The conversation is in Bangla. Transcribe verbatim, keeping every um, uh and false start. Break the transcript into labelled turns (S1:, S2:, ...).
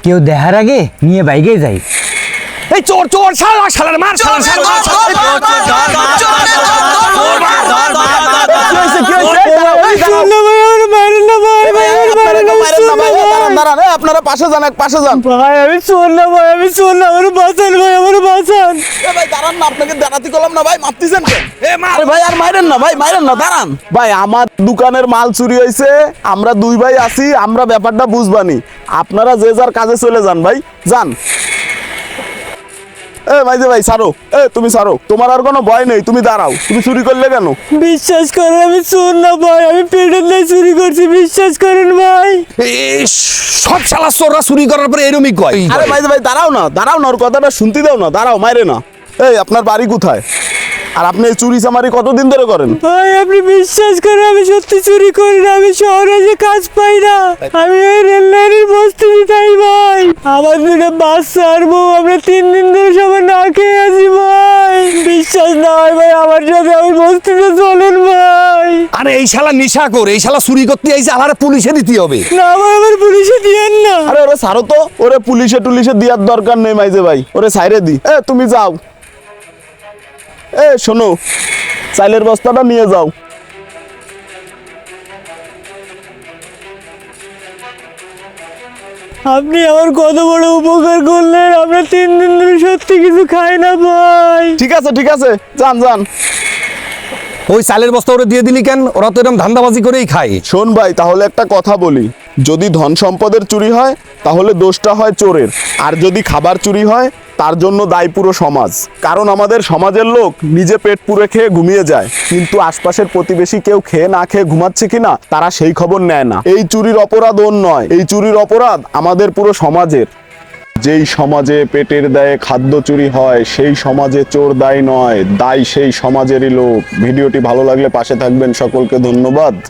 S1: কেউ দেখার আগে নিয়ে বাইকে যাই।
S2: এই চোর চোর শালা শালার মার শালা শালা
S3: আপনারা পাশে যান, এক পাশে যান।
S1: ভাই আমি চোর না ভাই, আমি চোর না, আমার বাঁচান ভাই, আমার বাঁচান।
S3: ভাই দাঁড়ান না, আপনাকে দাঁড়াতে করলাম না ভাই, মারতেছেন কেন?
S2: এ মার
S3: আরে ভাই আর মাইরেন না ভাই, মাইরেন না, দাঁড়ান ভাই। আমার দোকানের মাল চুরি হয়েছে, আমরা দুই ভাই আছি, আমরা ব্যাপারটা বুঝবানি। আপনারা যে যার কাজে চলে যান ভাই, যান। এ মাইজে ভাই ছাড়ো, এ তুমি ছাড়ো, তোমার আর কোনো ভয় নেই, তুমি দাঁড়াও। তুমি চুরি করলে কেন?
S1: বিশ্বাস করেন আমি চোর না ভাই, আমি পেটের লাই চুরি করছি, বিশ্বাস করেন ভাই।
S2: এই সব শালা চোররা চুরি করার পরে এরমই কয়।
S3: আরে মাইজে ভাই দাঁড়াও না, দাঁড়াও না, ওর কথাটা শুনতে দাও না, দাঁড়াও, মাইরে না। এই আপনার বাড়ি কোথায়? আর আপনি এই চুরি চামারি কতদিন ধরে করেন?
S1: ভাই আপনি বিশ্বাস করেন আমি সত্যি চুরি করি না, আমি শহরে যে কাজ পাই না, আমি ওই রেল লাইনের বস্তিতে তাই ভাই। আমার দুটো বাচ্চা আর বউ, আমরা তিন দিন ধরে সবাই না খেয়ে আছি ভাই। বিশ্বাস না হয় ভাই আমার সাথে, আমি বস্তিতে চলেন ভাই।
S2: আরে এই শালা নিশা কর, এই শালা চুরি করতে আইছে, আলারে পুলিশে দিতে হবে।
S1: না ভাই আমার পুলিশে দিয়েন না।
S3: আরে ওরে ছাড়ো তো, ওরে পুলিশে টুলিশে দেওয়ার দরকার নেই মাইজে ভাই, ওরে সাইরে দি। এ তুমি যাও, এ শোনো, চাইলের বস্তাটা নিয়ে যাও।
S1: আপনি আমার কত বড় উপকার করলেন, আমরা তিন দিন ধরে সত্যি কিছু খাই না ভাই।
S3: ঠিক আছে ঠিক আছে, যান যান।
S2: ওই চালের বস্তা ওরে দিয়ে দিলি কেন? ওরা তো এরকম ধান্দাবাজি করেই খায়।
S3: শোন ভাই, তাহলে একটা কথা বলি, যদি ধন সম্পদের চুরি হয় তাহলে দোষটা হয় চোরের, আর যদি খাবার চুরি হয় তার জন্য দায়ী পুরো সমাজ। কারণ আমাদের সমাজের লোক নিজে পেট পুরে খেয়ে ঘুমিয়ে যায়, কিন্তু আশপাশের প্রতিবেশী কেউ খেয়ে না খেয়ে ঘুমাচ্ছে কিনা তারা সেই খবর নেয় না। এই চুরির অপরাধ ওর নয়, এই চুরির অপরাধ আমাদের পুরো সমাজের। যেই সমাজে পেটের দায়ে খাদ্য চুরি হয় সেই সমাজে চোর দায়ী নয়, দায়ী সেই সমাজেরই লোক। ভিডিওটি ভালো লাগলে পাশে থাকবেন, সকলকে ধন্যবাদ।